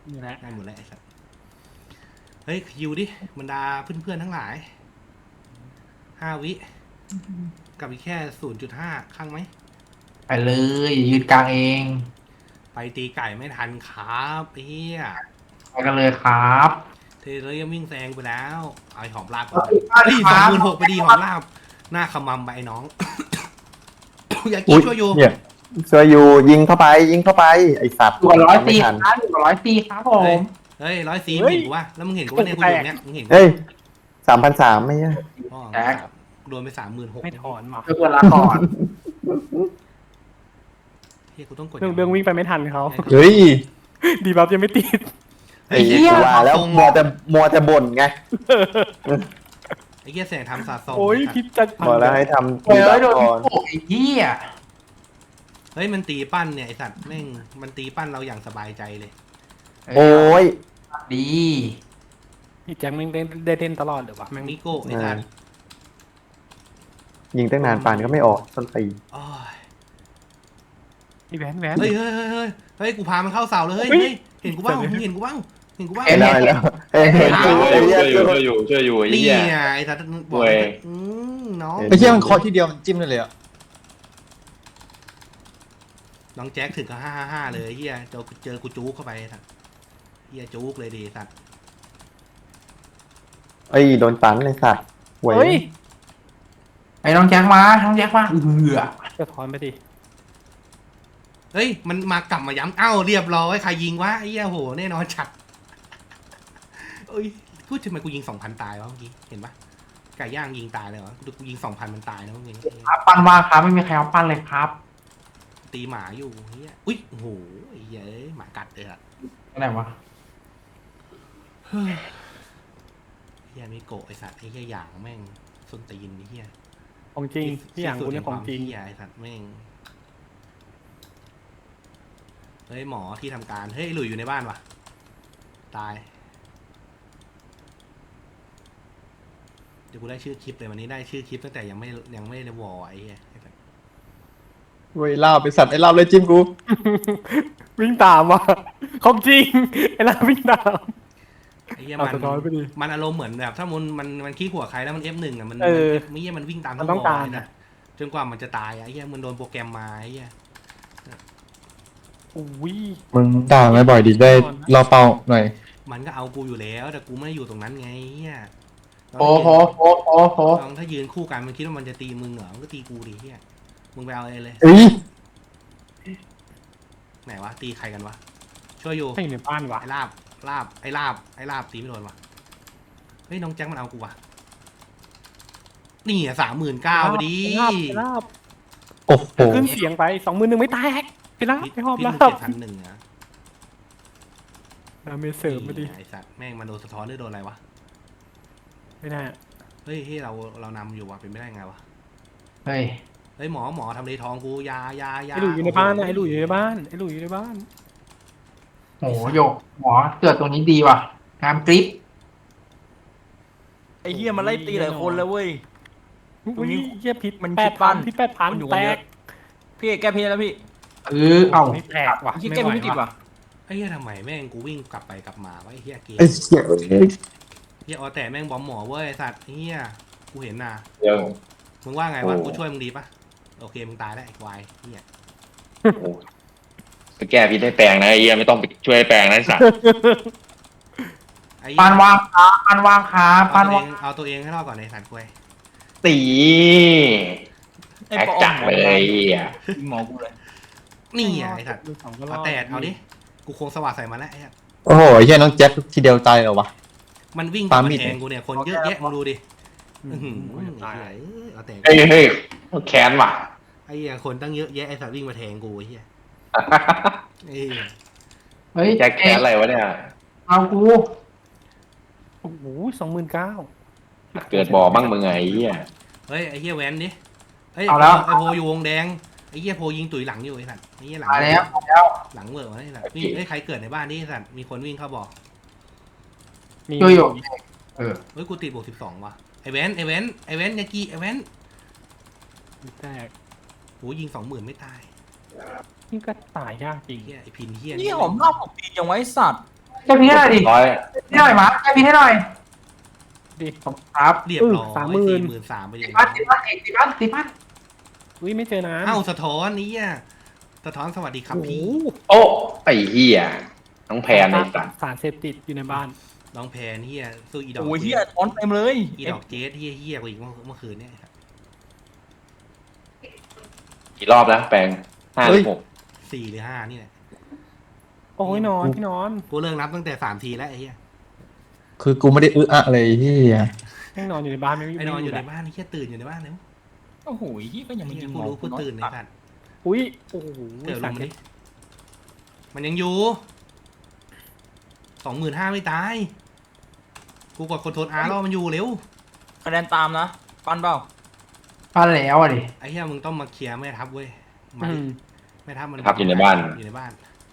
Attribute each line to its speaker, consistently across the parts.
Speaker 1: นี่แหละ
Speaker 2: ได้หมดแล้วไอ้สัสเฮ้ยคิวดิบรรดาเพื่อนๆทั้งหลาย5 วิกับอีกแค่0.5ข้างไหม
Speaker 3: ไปเลยยืนกลางเอง
Speaker 2: ไปตีไก่ไม่ทันครับเฮีย
Speaker 3: ไปกันเลยครับ
Speaker 2: เทเลยังวิ่งแซงไปแล้วเอาไอ้หอมลาบก่อน
Speaker 3: ไปค
Speaker 2: เฮ้ย
Speaker 3: รับ
Speaker 2: 26,000ไปดีหอมลาบหน้าขมำไปไอ้น้อง อยากกินช่วยอยู่
Speaker 4: เนี่ยช่วยอยู่ยิงเข้าไปยิงเข้าไปไอสัตว์
Speaker 3: อยู่กับร้อย
Speaker 4: ไม่
Speaker 3: ตีค
Speaker 4: ทั
Speaker 3: รั
Speaker 4: น
Speaker 3: บอยู่กับร้อยตีครับผม
Speaker 2: เฮ้ย104มึงเห็นกูวะแล้วมึงเห็นกูว่าเนี่ยกูอยู่เนี่ยมึงเห็นกู
Speaker 4: เฮ้ย3,300ไม่ใช่
Speaker 2: อ๋อโดนไป36,000
Speaker 1: ไม่ถอนมา
Speaker 3: เพื่อนลาก่อน
Speaker 2: เฮียกูต้องกด
Speaker 1: เรื่องวิ่งไปไม่ทันเขา
Speaker 4: เฮ้ย
Speaker 1: ดีบัฟยังไม่ติด
Speaker 4: ไอ้เหี้ยว่าแล้วมัวแต่บ่นไง
Speaker 2: ไอ้เฮียแสงทำสะสม
Speaker 1: โอ้ยพิษจะ
Speaker 4: บอกแล้วให้ทำ
Speaker 3: เฮ้ย
Speaker 4: ตี
Speaker 3: โดน
Speaker 4: ก่อน
Speaker 3: โอ้ยเหี้ย
Speaker 2: เฮ้ยมันตีปั้นเนี่ยไอสัตว์แม่งมันตีปั้นเราอย่างสบายใจเลย
Speaker 4: โอ้ย
Speaker 3: ดี
Speaker 1: พี่แจ็คแม่งได้เล่นตลอดเลยวะแม่ง
Speaker 2: มิโก้ไอสัตว์
Speaker 4: ยิงตั้งนานปานก็ไม่ออกต้นตี
Speaker 2: โอ้ย
Speaker 1: พี่แวน
Speaker 2: เฮ้ยเฮ้ยกูพามันเข้าเสาเลยเฮ้ย
Speaker 1: เฮ้ย
Speaker 2: เห็นกูบ้างมึงเห็นกูบ้างเห็นกูบ้าง
Speaker 4: เห็นแล้วเห็น
Speaker 5: ช่
Speaker 4: ไอ้
Speaker 5: วย
Speaker 4: เหี้ย
Speaker 5: อยู่ไอ้
Speaker 2: นี่
Speaker 5: เหี้ย
Speaker 2: ไงไอสัตว์บอก
Speaker 5: เว้ย
Speaker 2: น้อง
Speaker 4: เห็น
Speaker 6: ไอ้เหี้ยมันเคอทีเดียวมันจิ้มได้เลยอ่ะ
Speaker 2: น้องแจ็คถึงกับ555เลยเฮียเจอกูจู๊กเข้าไปสัตว์เฮียจู๊กเลยดีสัตว์
Speaker 4: เอ้ยโดนตันไอ้สัตว์เว้
Speaker 1: เฮ้ย
Speaker 4: ย
Speaker 3: ไอ้น้องแจ็คมาน้องแจ็คมาอ
Speaker 1: จะถอนไปดิ
Speaker 2: เฮ้ยมันมากลับมาย้ำเอ้าเรียบร้อยใครยิงวะไอ้เหี้ยโหแน่นอนฉัดเอ้ยพูดทำไมกูยิง 2,000 ตายวะเมื่อกี้เห็นปะไก่ย่างยิงตายเลยวะกูยิง 2,000มันตายนะเมื่อกี้
Speaker 3: ครับปั้นว่างครับไม่มีใครเอาปั้นเลยครับ
Speaker 2: ตีหมาอยู่เฮียอุ้ยโอ้โหไอ้เหี้ยเอ้ยหมากัดเลยอะ
Speaker 3: อะไรวะ
Speaker 2: เฮียมิโกะไอสัตว์ไอ้เฮียหยางแม่งส้นตีนไอ้เฮีย
Speaker 1: ของจริงพี่อย่างกูเนี่ยของจริง
Speaker 2: เฮียไอสัตว์แม่งเฮ้ยหมอที่ทำการเฮ้ยหลุยอยู่ในบ้านวะตายเดี๋ยวกูได้ชื่อคลิปเลยวันนี้ได้ชื่อคลิปตั้งแต่ยังไม่ได้วอร์ไอ้เฮีย
Speaker 6: เว้ยลาบไปสัตว์ไอ้ลาบเลยจิ้มกู
Speaker 1: วิ่งตามว่ะของจริงไอ้ล่าวิ่งตาม
Speaker 2: ไอ้เหี้ย
Speaker 1: เอาสะท้อนไปดิ
Speaker 2: มันอารมณ์เหมือนแบบถ้ามันขี้หัวใครแล้วมัน F1 อ่ะมัน
Speaker 1: เออ
Speaker 2: ไม่เหี้ยมันวิ่งตาม
Speaker 1: มันต้อง
Speaker 2: ว
Speaker 1: การ
Speaker 2: เลยนะจนกว่ามันจะตายอ่ะไอ้เหี้ยมันโดนโปรแกรมมาไอ้เหี้ย
Speaker 1: อุ้ย
Speaker 6: มึงด่าไม่บ่อยดิได้รอเป้าหน่อย
Speaker 2: มันก็เอากูอยู่แล้วแต่กูไม่ได้อยู่ตรงนั้นไงไอ้เหี้ย
Speaker 3: โอ้โห
Speaker 2: ลองถ้ายืนคู่กันมันคิดว่ามันจะตีมึงเหรอมันก็ตีกูดิเหี้ยมึงไปเอาเลย
Speaker 6: เอ้ย
Speaker 2: ไหนวะตีใครกันวะช่วยอยู่
Speaker 1: ให้ในบ้านวะ
Speaker 2: ไอ้ลาบไอ้ลาบตีไม่โดนวะเฮ้ยน้องแจ็คมันเอากูวะนี่อ่ะ39,000พอดี
Speaker 1: ลาบ
Speaker 6: โอ้โห
Speaker 1: ขึ้นเสียงไป21,000ไม่แตกไปลาบไปหอบ
Speaker 2: พี่
Speaker 1: ลา
Speaker 2: มึง
Speaker 1: บ
Speaker 2: 7,100นะ
Speaker 1: ดาเมจเสริมมาดิ
Speaker 2: ไอ้สัตว์แม่งมันโดนสะท้อนหรือโดนอะไรวะ
Speaker 1: ไม่น่า
Speaker 2: เฮ้ยเรานำอยู่ว่ะเป็นไม่ได้ไงวะ
Speaker 3: เฮ้ย
Speaker 2: เฮ้ยหมอทำเลทองกูยา
Speaker 1: ไอ้หลุยอยู่ในบ้านนะไอ้หลุยอยู่ในบ้านไอ้หลุยอยู่ในบ้าน
Speaker 3: โหโยกหมอเกิดตรงนี้ดีว่ะงามกริป
Speaker 7: ไอ้เฮียมันไล่ตีหลายคนแล้วเว้ย
Speaker 1: อุ้ยเหี้ยพิษ
Speaker 7: มัน
Speaker 1: แป
Speaker 7: พิ
Speaker 1: ด
Speaker 7: ษปั้
Speaker 1: พัน
Speaker 7: น
Speaker 1: พิษ8,000
Speaker 7: มันอยู่
Speaker 1: แต
Speaker 7: กันเย
Speaker 1: ก
Speaker 7: อะ พี่แก้เพลแล้วพี่
Speaker 3: เอ้า
Speaker 1: ไม่แตกว่ะ
Speaker 7: พี่แก้ไม่ติดว่ะ
Speaker 2: ไอ้เหี้ยทำไมแม่งกูวิ่งกลับไปกลับมาวะไอ้เหี้ยเกม
Speaker 6: ไอ้เหี้ย
Speaker 2: เหี้ยแต่แม่งบอมหมอเว้ยไอ้สัตว์ไอ้เหี้ยกูเห็นน่ะ
Speaker 5: เดี๋ยว
Speaker 2: มึงว่าไงวะ
Speaker 5: โอ้
Speaker 2: กูช่วยมึงดีปะโอเคมึงตายแล้วไอ้ควายเหี้ย
Speaker 5: ไปแก้พิษให้แปลงนะไอ้เหี้ยไม่ต้องไปช่วยแปลงนะไอ้สัตว์
Speaker 2: ไอ้
Speaker 3: ปั้นว่างครับปั้นว่างครับปั้นว่าง
Speaker 2: เอาตัวเองให้รอดก่อนไอ้สัตว์ควาย
Speaker 5: ตี
Speaker 7: ไอ้
Speaker 5: แอค
Speaker 7: ปอ
Speaker 5: จักเลยไอ้เหี้ย
Speaker 7: ยิงหมอกูเลย
Speaker 2: นี่ไงไอ้สัตว์
Speaker 1: ดูสองก็ร
Speaker 2: เอา
Speaker 1: อด
Speaker 2: แต่เอาดิกูคงสว่างใส่มันแล้วไอ้เหี้ย
Speaker 6: โอ้โหไอ้เหี้ยน้องแจ็คทีเดียวตายเหรอวะ
Speaker 2: มันวิ่ง
Speaker 6: ปา
Speaker 2: มา
Speaker 6: มีด
Speaker 2: แทงกูเนี่ยคนเยอะแยะมึงดูดิ
Speaker 1: อื
Speaker 2: อื้อหือ
Speaker 1: ม
Speaker 2: ไอ้เหี้ยเอาแต่
Speaker 5: เฮ้ยแค้นว่ะ
Speaker 2: ไอ้เหี้ยคนตั้งเยอะแยะไอ้สัตว์วิ่งมาแทงกูไอ้เหี้ยไอ้เหี้ย
Speaker 3: เฮ้ย
Speaker 5: แจ็คแค้นอะไรวะเนี่ย
Speaker 3: เอากู
Speaker 1: โอ้โห29,000
Speaker 5: เกิดบ่อบ้างมึงไงไอ้เหี้ย
Speaker 2: เฮ้ยไอ้เหี้ยแวนดิเฮ้ย
Speaker 3: เอาแล้ว
Speaker 2: ไอ้โพอยู่วงแดงไอ้เหี้ยโพยิงตุ๋ยหลังอยู่ไอ้สัตว์ไอ้เหี้ยหลัง
Speaker 3: ตายแล้ว
Speaker 2: หลังเวอร์วะไอ้สัตว์วิ่งเฮ้ยใครเกิดในบ้านนี่ไอ้สัตว์มีคนวิ่งเข้าบอก
Speaker 1: มี
Speaker 3: โยโย่เออ
Speaker 2: เฮ้ยกูติดบวก12ว่ะไอ้แวนยากิไอ้แวน
Speaker 1: แตก
Speaker 2: โหยิง20,000ไม่ตาย
Speaker 1: นี่ก็ตายยากจริง
Speaker 2: เหี้ยไอ้พินเหี้ย
Speaker 7: นี่หอมรอบของปีจังไว้สัตว์
Speaker 3: แก้พิษให้หน่อยดิ
Speaker 5: ร้อย
Speaker 3: ให้หน่อยมาแก้พิษให้หน่อย
Speaker 1: ดิ
Speaker 3: ขอบคุณครับ
Speaker 2: เรียบร้อย
Speaker 1: 30,000
Speaker 2: 43,000ไปเล
Speaker 3: ติ
Speaker 2: ย
Speaker 3: ดบ้านติดบ้านติดบ้านติดบ้าน
Speaker 1: อุ้ยไม่เจอน้ำ
Speaker 2: เอ้าสะท้อนนี้อ่ะสะท้อนสวัสดีครับ
Speaker 1: โอ้โห
Speaker 2: พี่
Speaker 5: โอ้ไอ้เหี้ยน้องแพนไอ้สัตว์
Speaker 1: สารเสพติดอยู่ในบ้าน
Speaker 2: น้องแพนเฮียสู้อีดอก
Speaker 7: โอ้ยเฮียถอนเต็มเลย
Speaker 2: อีดอกเจสเฮียกว่าอีกเมื่อคืนเนี่ย
Speaker 5: กี่รอบแล้วแปลง56
Speaker 2: 4 หรือ 5นี่แหละ
Speaker 1: โอ้ยนอนพี่นอน
Speaker 2: กูเลิกนับตั้งแต่3 ทีแล้วไอ้เฮีย
Speaker 6: คือกูไม่ได้อะเลยที่
Speaker 1: แม่งนอนอยู่ในบ้านไม่
Speaker 2: ไอ้นอนอยู่ใน
Speaker 1: แหละ
Speaker 2: บ้านไอ้เฮียตื่นอยู่ในบ้านแล้ว
Speaker 7: โอ้โหเฮียก็ยังไม่ยิง
Speaker 2: กูรู้กูตื่นในสัตว์
Speaker 1: อุ้ยโอ้โห
Speaker 2: เดี๋ยวล
Speaker 1: สาง ร
Speaker 2: มา
Speaker 1: เส
Speaker 2: ดิ
Speaker 1: พ
Speaker 2: มันยังอยู่25,000ไม่ตาย กูกดคอนโทรลอาร์ล่อมันอยู่เร็ว
Speaker 7: คะแนนตามนะปันเปล่า
Speaker 3: ปั้นแล้วอ่ะดิ
Speaker 2: ไอ้เหี้ยมึงต้องมาเคลียร์แม่ทัพเว้ยมา
Speaker 1: อื
Speaker 2: ดิ
Speaker 1: ม
Speaker 2: แม่ทัพมัน
Speaker 5: ทับอยู่ในบ้าน
Speaker 2: อยู่ในบ้าน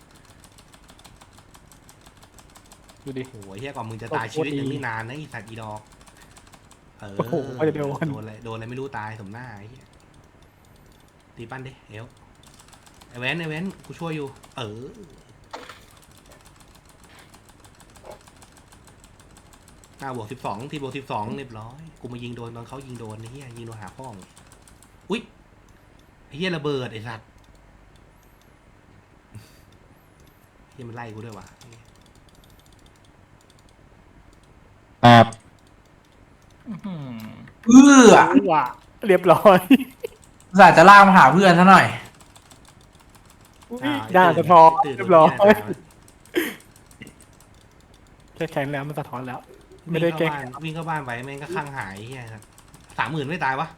Speaker 1: ดูดิ
Speaker 2: โอ้โหไอ้เหี้ยก่อนมึงจะตาย
Speaker 1: โคตร
Speaker 2: ชีวิตยัง
Speaker 1: ดี
Speaker 2: ไม่นานนะไอีสัตว์อีดอกเออ
Speaker 1: โอ้โหไม่ได้โดน
Speaker 2: โดนอะไรไม่รู้ตายสมหน้าไอ้เหี้ยตีปั้นดิเอวไอแวนกูช่วยอยู่ เออบวก12 ทีบวก12เรียบร้อยกูมายิงโดนตอนเขายิงโดนไอ้เหี้ยยิงโดนหาพ่องอุ้ยไอ้เหี้ยระเบิดไอ้สัตว์เหี้ยมันไล่กูด้วยวะ
Speaker 6: ครับ
Speaker 7: อื้อหือ
Speaker 3: เอื้อ
Speaker 1: ว่ะเรียบร้อย
Speaker 3: อุตส่าห์จะลากมาหาเพื่อนซะหน่อย
Speaker 1: อุ้ยด่าสะท้อน
Speaker 2: ตื่น
Speaker 1: เรียบร้อย
Speaker 2: ตื่น
Speaker 1: แค่แข็งแล้วมันสะท้อนแล้ว ไม่ได้แก้
Speaker 2: วิ่งเข้าบ้านไปแม่งก็ข้างหายเหี้ยครับ30,000ไม่ตายวะ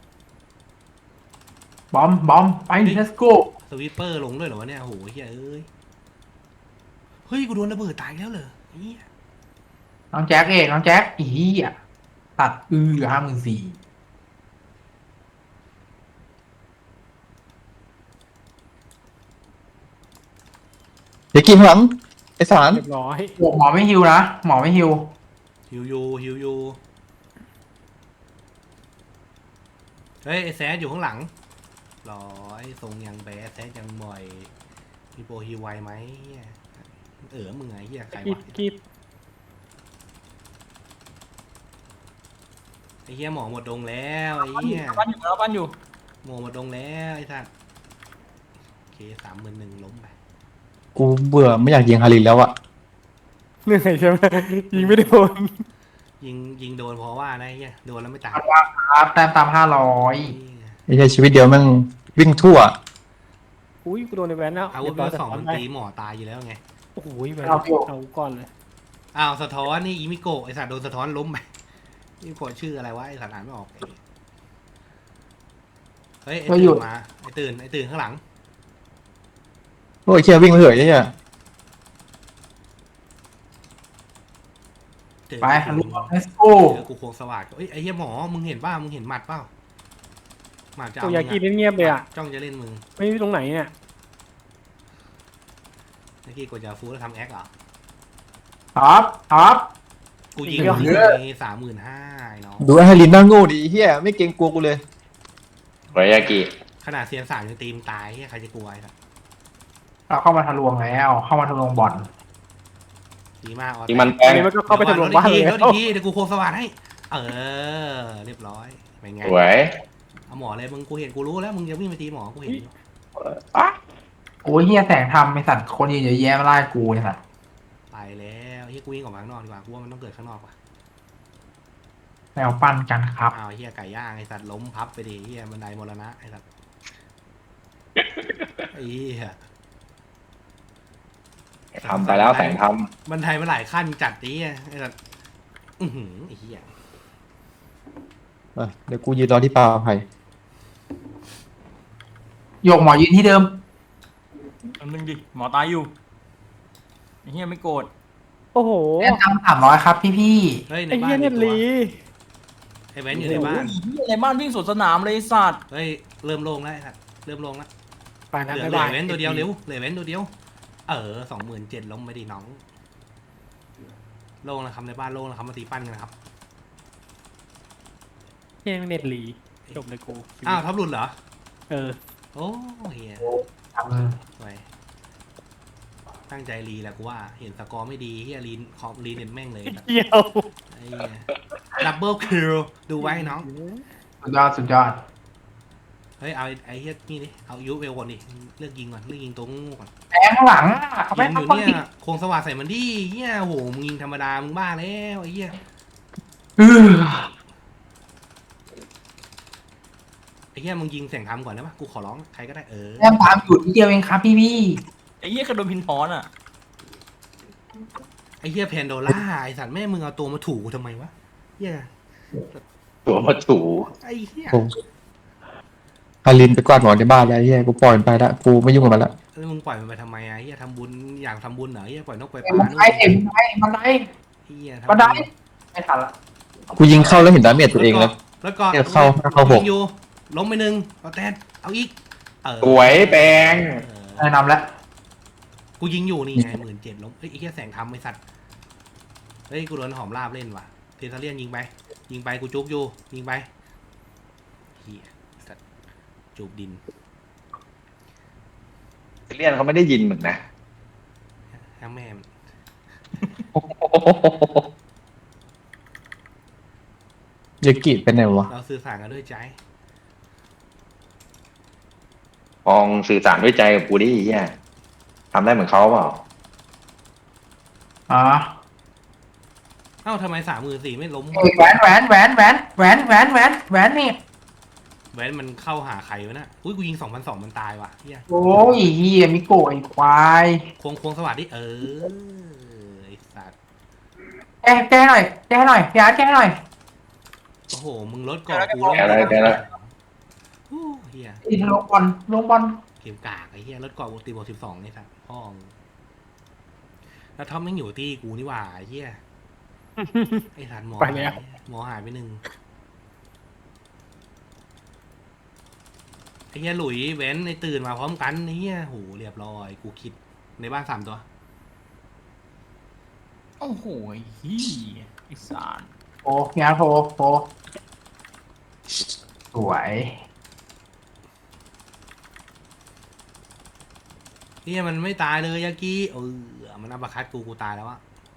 Speaker 3: บอมไป let's go
Speaker 2: สวิปเปอร์ลงด้วยเหรอวะเนี่ยโอ้โหเฮ้ยเฮ้ยกูโดนระเบิดตายแล้วเหรอเหี้ย
Speaker 3: น้องแจ็คน้องแจ็คอีอ่ะตัดเหลือ54,000
Speaker 6: เดี๋ยวกินข้างหลังไอสาร
Speaker 1: เรียบร้อย
Speaker 3: หมอไม่ฮิวนะหมอไม่ฮิว
Speaker 2: ฮิวยูเฮ้ยไอแซดอยู่ข้างหลังร้อยทรงยังแบดแซดยังบ่อยมีโปรฮิวไวไหมเหี้ยมึงไงเหี้ยใคร
Speaker 1: กี
Speaker 2: วะ
Speaker 1: บกีบ
Speaker 2: ไอเหี้ยหมอหมดดงแล้วไอเหี้ย
Speaker 7: ปั้นอยู่แล้วปั้นอยู่
Speaker 2: หมอหมดดงแล้วไอ้สัสโอเค31,000ล้มไป
Speaker 6: กูเบื่อไม่อยากยิงฮารินแล้วอะ
Speaker 1: เหนื่อยใช่ไหมยิงไม่โดน
Speaker 2: ยิงโดนเพราะว่านะไอ้เหี้ยโดนแล้วไม่ตาย
Speaker 3: ครับแต้มตาม500
Speaker 6: ไอ้ใช่ชีวิตเดียวแม่งวิ่งทั่ว
Speaker 1: อุ้ยกูโดนในแวนแล้ว
Speaker 2: อาวุธ
Speaker 1: เรียบ
Speaker 2: เบ
Speaker 1: ร้
Speaker 2: อ
Speaker 1: อย
Speaker 2: ร์ 2มัน
Speaker 1: สะท้อนไป
Speaker 2: ตีหมอตายอยู่แล้วไง
Speaker 1: โอ้โหแวน
Speaker 3: เอาอยู่
Speaker 1: เอาก่อนเลย
Speaker 2: อ้าวสะท้อนนี่อีมิโกะไอสัตว์โดนสะท้อนล้มไปอีมิโกะชื่ออะไรวะไอสัตว์อ่านไม่ออกเฮ้ยไอตื่นมาไอตื่นข้างหลัง
Speaker 6: โอ้ยเชี่ยวิ่งไปเถอะไอ้เนี่ย
Speaker 2: ตื่น
Speaker 3: ไปฮัลโหล let's go
Speaker 2: เจอกูโคงสวัสดิ์เอ้ยไอเหี้ยหมอมึงเห็นป่ะมึงเห็นหมัดเปล่าหมัดจะ
Speaker 1: ตั
Speaker 2: เอา
Speaker 1: วยากีเงียบๆเลยอ่ะ
Speaker 2: จ้องจะเล่นมึง
Speaker 1: ไม่รู้ตรงไหนเนี่ย
Speaker 2: เมื่อกี้กดยาฟูแล้วทำแอคเหรอ
Speaker 3: ครับ
Speaker 2: กูยิง
Speaker 3: เยอะ
Speaker 2: 35,000ไอ้น้อง
Speaker 6: ดูไอ้ฮารินน่าโง่ดิไอ้เฮียไม่เกรงกลัวกูเลย
Speaker 5: ไว้ยากิ
Speaker 2: ขนาดเซียน3ยังตีมตายเหี้ยใครจะกลัวไอ้สัตว์
Speaker 3: เราเข้ามาทะลวงแล้วเข้ามาทะลวงบ่อน
Speaker 2: ดีมากออส
Speaker 5: ยิงมันแปล
Speaker 1: อัน
Speaker 5: ง
Speaker 1: นี้มันก็เข้าไปทะลวงบ้านเลย
Speaker 2: เดี๋ยวดีเดี๋ยวกูโคงสวัสดิ์ให้เออเรียบร้อยเป็นไง
Speaker 5: สวย
Speaker 2: เอาหมอเลยมึงกูเห็นกูรู้แล้วมึงจะวิ่งไปตีหมอกูเห็นอยู่
Speaker 3: โอ้ยเฮียแสงทำไอสัตว์คนยืนเยอะแยะมาไล่กูไอสัตว์
Speaker 2: ไปแล้วเฮียกูวิ่งออกมาข้างนอกดีกว่ากูว่ามันต้องเกิดข้างนอกว่ะ
Speaker 3: แนวปั้นกันครับ
Speaker 2: อ้าวเฮียไก่ย่างไอ้สัตว์ล้มพับไปดิเฮียบันไดมรณะไอ้สัตว์ไอ้เฮีย
Speaker 5: ทำไปแล้วแสงท
Speaker 2: บันไดมันหลายขั้นจัดดิไอ้สัตว์อื้อหือไอ้เฮีย
Speaker 6: เดี๋ยวกูยืนรอที่ปลาไผ่
Speaker 3: โยกหมอยืนที่เดิม
Speaker 7: อันนึงดิหมอตายอยู่ไอ้เฮียไม่โกรธ
Speaker 1: โอ้โห
Speaker 3: แต้มตาม300ครับพี่
Speaker 2: เฮ้ยใน
Speaker 1: ไอ้
Speaker 2: บ้า
Speaker 1: เหี้ย
Speaker 2: น
Speaker 1: เน็ตลี
Speaker 2: ไอ้แว้นอยู่ในบ้าน
Speaker 7: โอ้โหเฮียในบ้านวิ่งสวนสนามเลยไอ้สัตว์
Speaker 2: เฮ้ยเริ่มโล่งแล้วไอ้สัตว์เริ่มโล่งแล้ว
Speaker 1: ไปนะ
Speaker 2: เหลือ
Speaker 1: บ๊าย
Speaker 2: เหลื
Speaker 1: บา
Speaker 2: อย เว้นตัวเดียวเร็วเหลือเว้นตัวเดียว27,000ล้มไปดิน้องโล่งแล้วครับในบ้านโล่งแล้วครับมาตีปั้นกันนะครับ
Speaker 1: เหี้ยเน็ตลีจบเลยกู
Speaker 2: อ้าวท็อปหลุดเหรอ
Speaker 1: เออ
Speaker 2: โอ้เฮีย
Speaker 3: ๆ
Speaker 2: สวยไปตั้งใจรีแหละกูว่าเห็นสกอร์ไม่ดีเฮียรีคอมรีเน็ตแม่งเลย
Speaker 1: เกี่ยว
Speaker 2: ไอ้ดับเบิลคิวดูไว้น้อง
Speaker 3: สุดยอดสุดยอด
Speaker 2: เฮ้ยเอาไอ้เฮียนี่ดิเอายูเวลก่อนดิเลือกยิงก่อนเลือกยิงตัวงูก่อน
Speaker 3: แทงข้างหลังเอาไป
Speaker 2: ยิงอยู่
Speaker 3: เอา
Speaker 2: เนี่
Speaker 3: ไป
Speaker 2: ยโครงสว่างใส่มันดิเฮียโหมึงยิงธรรมดามึงบ้าแล้วไอ้เฮีย
Speaker 3: อื้อ
Speaker 2: ไอ้เฮียมึงยิงเสียงทำก่อนได้ปะกูขอร้องใครก็ได้
Speaker 3: แต้มตามอยู่นิดเดียวเองครับพี่
Speaker 7: ไอ้เหี้ยกระโดนพินทอนอ่ะ
Speaker 2: ไอ้เฮียแพนโดล่าไอ้สัตว์แม่มึงเอาตัวมาถูกูทำไมวะเฮีย
Speaker 5: ตัวมาถู
Speaker 2: ไอ้เฮีย
Speaker 6: ฮารินไปกวาดหมอนในบ้านแล้วไอ้เหี้ยกูปล่อยมันไปละกูไม่ยุ่งกับมันละ
Speaker 2: แล้วมึงปล่อยมันไปทำไมอ่ะเฮียทำบุญอยากทำบุญเหรอเฮียปล่อยนกปล่อยป
Speaker 3: มั
Speaker 2: ลาน นู่น
Speaker 3: ได้เต็มไปมันได้
Speaker 2: เฮียทำ
Speaker 3: มันได้ไม่ทันละ
Speaker 6: กูยิงเข้าแล้วเห็นดาเมจตัวเองแล้ว
Speaker 2: แล้วก็
Speaker 6: เนี่ยเข้าหก
Speaker 2: ยิงอยู่ล้มไปหนึ่งเอาแตนเอาอีกเออ
Speaker 5: สวยแปลง
Speaker 2: เออ
Speaker 3: แนะนำแล้ว
Speaker 2: กูยิงอยู่นี่ไง17,000ล้มเฮ้ยไอ้เหี้ยแสงทำไอ้สัตว์เฮ้ยกูโดนหอมลาบเล่นว่ะเทเทเลียนยิงไปกูจุกอยู่ยิงไปเหี้ยสัตว์จูบดิน
Speaker 5: เลียนเขาไม่ได้ยินมึงนะ
Speaker 2: ทั้งแม่มัน
Speaker 6: ยากิเป็นไงวะ
Speaker 2: เราสื่อสารกันด้วยใจ
Speaker 5: มองสื่อสารด้วยใจกับกูดิเฮียทำได้เหมือนเขาเปล่า
Speaker 3: อ๋อ
Speaker 2: เอ้าทำไม34,000ไม่ล้ม
Speaker 3: แหวนนี่
Speaker 2: แว้นมันเข้าหาใครวะน่ะอุ้ยกูยิง2,200มันตายว่ะเหี้ย
Speaker 3: โอ้ยเฮียมิโกะไอ้ควาย
Speaker 2: ควงสวัสดีไอ้สัตว์
Speaker 3: แก้หน่อยพี่อาร์ตแก้หน่อย
Speaker 2: โอ้โหมึงลดก่อนกูลง
Speaker 5: แกแล้ว
Speaker 2: โอ้เหี้ย
Speaker 3: อีลงบอล
Speaker 2: เกมกากไอ้เหี้ยรถเกาะตีบวก12นี่ครับพ่องแล้วท็อปแม่งอยู่ที่กูนี่หว่าไอ้เหี้ยไอ้สันหมอ
Speaker 1: ไปแล้ว
Speaker 2: หมอหายไป1ไอ้เหี้ยหลุยเว้นไอ้ตื่นมาพร้อมกันไอ้เหี้ยโหเรียบร้อยกูคิดในบ้าน3ตัว
Speaker 7: โอ้โหไอ้เหี้ยไอ้สาร
Speaker 3: โอ้พี่อาร์ตโฟสวย
Speaker 2: เหี้ยมันไม่ตายเลยยากิมันอัปคัดกูตายแล้วอะ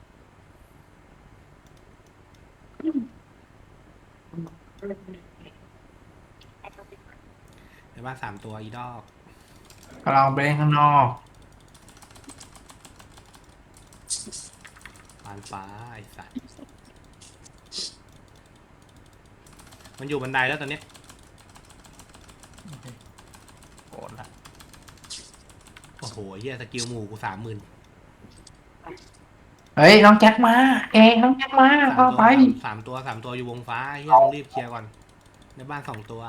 Speaker 2: ในบ้าน3ตัวอีดอก
Speaker 3: กำลังไปเล่นข้างนอก
Speaker 2: ปานฟ้าไอ้สัตว์มันอยู่บันไดแล้วตอนเนี้ย
Speaker 7: โกรธละ
Speaker 2: โอ้โหเฮียสกิลหมู่กู30,000
Speaker 3: เฮ้ยน้องแจ็คมาน้องแจ็คมาเข้าไป
Speaker 2: สามตัวอยู่วงฟ้าเฮียต้องรีบเคลียร์ก่อน ในบ้าน2ตัว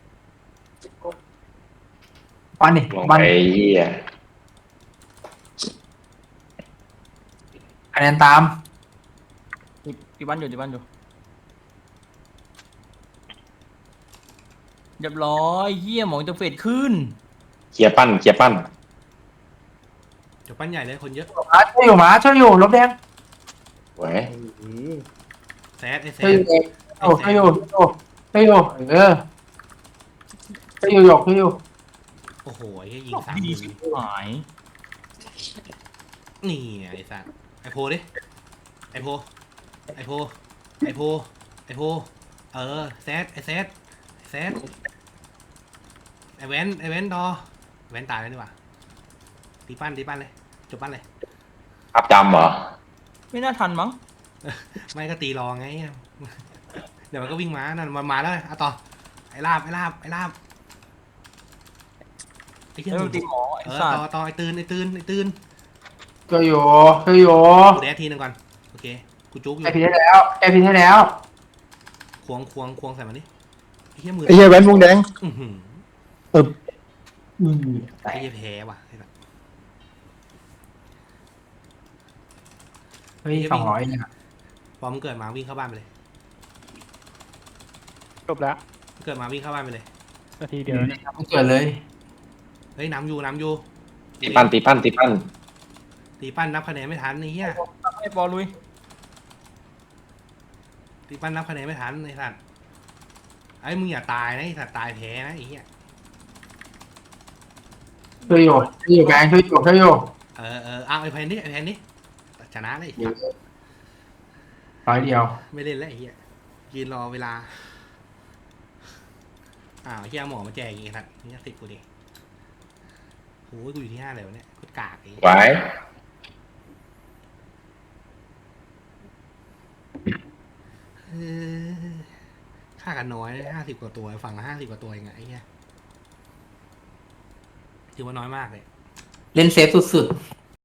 Speaker 3: บอลดิ
Speaker 5: ลง
Speaker 3: บอล
Speaker 5: ไปเฮีย
Speaker 3: คะแนนตาม
Speaker 7: ที่บ้านอยู่เรียบร้อยเหี้ยหมองจะเฟดขึ้น
Speaker 5: เคลียร์ปั้น
Speaker 2: เดี๋ยวปั้นใหญ่เลยคนเยอะ
Speaker 3: ช่วยอยู่ลบแดง
Speaker 5: สวย
Speaker 2: แซดไอ้แซ
Speaker 3: ช่วย
Speaker 2: ด
Speaker 3: อยู่ช่วยอยู่
Speaker 2: โอ้โหเฮียยิง
Speaker 7: ดีชิบหาย
Speaker 2: 30,000นี่ไอ้สัตว์ไอโพดิไอโพแซดไอแวนดอแวนตายแล้วดีกว่าตีปั้นเลยจบปั้นเลย
Speaker 5: ภาพจำเหรอ
Speaker 7: ไม่น่าทันมั้ง
Speaker 2: ไม่ก็ตีรอไง เดี๋ยวมันก็วิ่งมานั่นมันมาแล้วเอาต่อไอ้ลาบไอ้เหี้ย
Speaker 7: ไอ้มันตีหมอไอ้
Speaker 2: เออ
Speaker 7: สัตว์
Speaker 2: ต่อไอ้ตื่น
Speaker 3: ช่วยอยู่
Speaker 2: กูแดดทีนึงก่อนโอเคกูจุกอยู่
Speaker 3: แกพินให้แล้ว
Speaker 2: ควงใส่มันดิไอ้เหี้ยมือ
Speaker 6: ไอ้เหี้ยแว่นวงแดง
Speaker 2: อื้อหือ
Speaker 3: แต่
Speaker 2: ไอ้เหี้ยแพ้ว่ะ
Speaker 3: เฮ้ย200เนี่ย
Speaker 2: พอมึงเกิดมาวิ่งเข้าบ้านไปเลย
Speaker 1: จบแล้ว
Speaker 2: เกิดมาวิ่งเข้าบ้านไปเลย
Speaker 1: นาทีเดียวเนี่ย
Speaker 3: มันเกิดเลย
Speaker 2: เฮ้ยน้ำอยู่
Speaker 5: ตีปั้น
Speaker 2: ตีปั้นนับคะแนนไม่ทันไอ้เหี้ย
Speaker 7: ไอ้บอลลุย
Speaker 2: ตีปั้นนับคะแนนไม่ทันไอ้สัตว์ไอ้มึงอย่าตายนะไอ้สัตว์ตายแพ้นะไอ้เหี้ย
Speaker 3: ช่วยอยู่แบงช่วยอยู่
Speaker 2: เอาไอ้แพนนี่ชนะเลย
Speaker 3: ร้อยเดียว
Speaker 2: ไม่เล่นแล้วไอ้เหี้ยยืนรอเวลาเฮียหมอมาแจกอีกครับนี่10กูดิโอ้ยกูอยู่ที่5เลยวะเนี่ยกูกากไอ้
Speaker 5: ไว้
Speaker 2: ค่ากันน้อย50 กว่าตัวฝั่งละ50 กว่าตัวเองไงไอ้เหี้ยถือว่าน้อยมากเลย
Speaker 3: เล่นเซฟสุดๆ